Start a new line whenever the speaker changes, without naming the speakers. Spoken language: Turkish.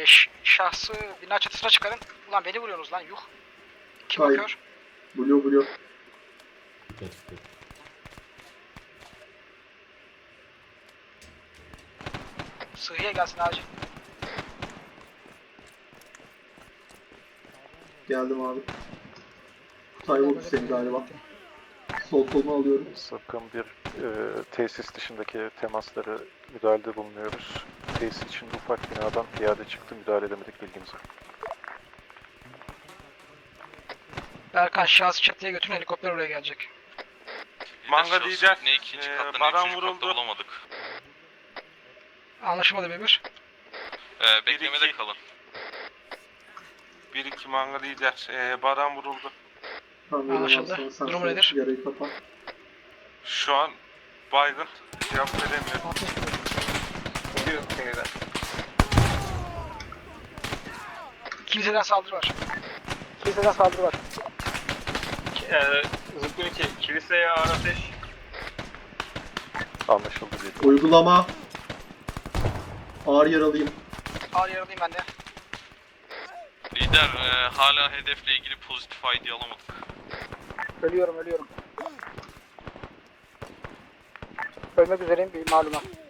Şahsı bina çatısına çıkarın. Ulan beni vuruyorsunuz lan yuh. Kim
Hayır.
bakıyor?
Blue.
Sıhhiye gelsin acil.
Geldim abi. Kutay vurdu seni galiba. Sol kolunu alıyorum.
Sakın bir tesis dışındaki temaslara müdahalede bulunuyoruz. Tesis içinde ufak binadan piyade çıktı, müdahale edemedik, bilginiz var.
Berkan şahsı çatıya götürün, helikopter oraya gelecek.
Manga lider,
Ne ikinci katta ne
Baran
üçüncü katta
vuruldu.
bulamadık.
Anlaşılmadı Memur.
Beklemede
iki.
kalın.
1-2 manga lider. Baran vuruldu.
Tamam,
Anlaşıldı.
sonra sen
Durumu nedir?
Yarayı kapat.
Şu an baygın. Cevap veremiyorum.
Kiliseden saldırı var. Kiliseden saldırı var.
Zıpkın 2, kiliseye ağır ateş.
Anlaşıldı değil.
Uygulama. Ağır yaralıyım.
Ağır yaralıyım ben de.
Lider hala hedefle ilgili pozitif ID alamadık.
Ölüyorum. Ölmek üzereyim bir malumat.